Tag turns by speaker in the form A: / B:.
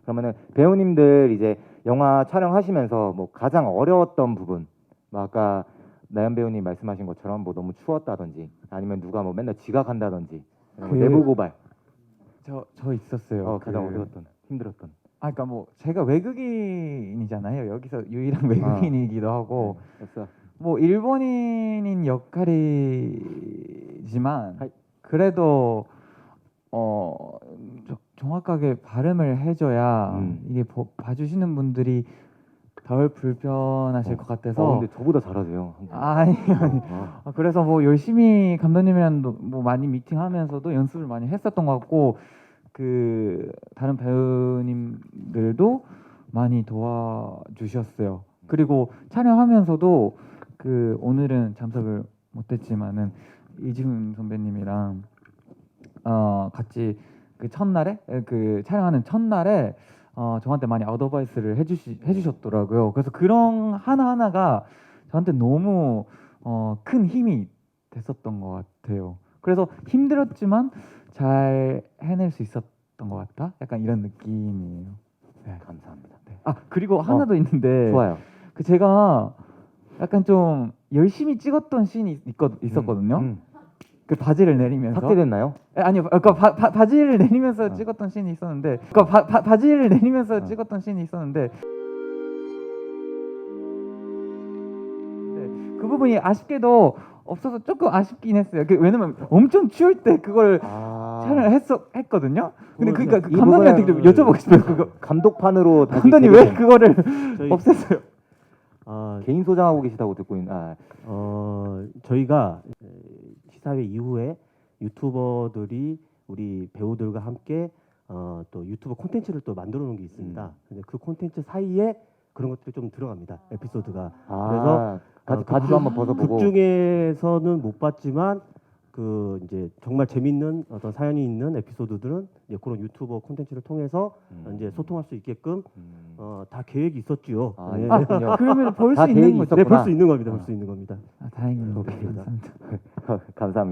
A: 그러면은 배우님들 이제 영화 촬영하시면서 뭐 가장 어려웠던 부분, 뭐 아까 나연 배우님 말씀하신 것처럼 뭐 너무 추웠다든지 아니면 누가 뭐 맨날 지각한다든지 뭐 내부 고발.
B: 저 있었어요.
A: 가장 어려웠던, 힘들었던.
B: 그러니까 뭐 제가 외국인이잖아요. 여기서 유일한 외국인이기도 하고
A: 됐어.
B: 뭐 일본인인 역할이지만 그래도 정확하게 발음을 해줘야 이게 봐주시는 분들이 덜 불편하실 것 같아서.
A: 근데 저보다 잘하세요.
B: 아니. 그래서 뭐 열심히 감독님이랑 뭐 많이 미팅하면서도 연습을 많이 했었던 것 같고, 그 다른 배우님들도 많이 도와주셨어요. 그리고 촬영하면서도 그 오늘은 참석을 못했지만은 이지훈 선배님이랑 같이 그 첫날에 그 촬영하는 첫날에 저한테 많이 어드바이스를 해주셨더라고요. 그래서 그런 하나하나가 저한테 너무 큰 힘이 됐었던 것 같아요. 그래서 힘들었지만 잘 해낼 수 있었던 것 같다. 약간 이런 느낌이에요. 네.
A: 감사합니다.
B: 네. 그리고 하나 더 있는데.
A: 좋아요.
B: 그 제가 약간 좀 열심히 찍었던 씬이 있었거든요. 그 바지를 내리면서.
A: 삭제됐나요?
B: 아니요. 그러니까 바지를 내리면서 찍었던 씬이 있었는데. 그러니까 바지를 내리면서 찍었던 씬이 있었는데. 그 부분이 아쉽게도 없어서 조금 아쉽긴 했어요. 왜냐면 엄청 추울 때 그걸 촬영을 했거든요. 근데 그러니까 그 감독님한테 여쭤보고 싶어요. 그거
A: 감독판으로
B: 감독님 왜 그거를 없앴어요?
A: 개인 소장하고 계시다고 듣고 있는.
C: 저희가 시사회 이후에 유튜버들이 우리 배우들과 함께 또 유튜브 콘텐츠를 또 만들어 놓은 게 있습니다. 근데 그 콘텐츠 사이에 그런 것들이 좀 들어갑니다. 에피소드가. 그래서
A: 바지도 한번 벗어보고.
C: 극 중에서는 못 봤지만 그 이제 정말 재밌는 어떤 사연이 있는 에피소드들은 이제 그런 유튜버 콘텐츠를 통해서 이제 소통할 수 있게끔 다 계획이 있었지요.
A: 네.
B: 그러면 볼 수
A: 다
B: 있는
A: 계획이
B: 거죠?
A: 있었구나.
C: 네, 볼 수 있는 겁니다. 볼 수 있는 겁니다.
B: 다행입니다.
C: 오케이.
B: 감사합니다.
A: 감사합니다.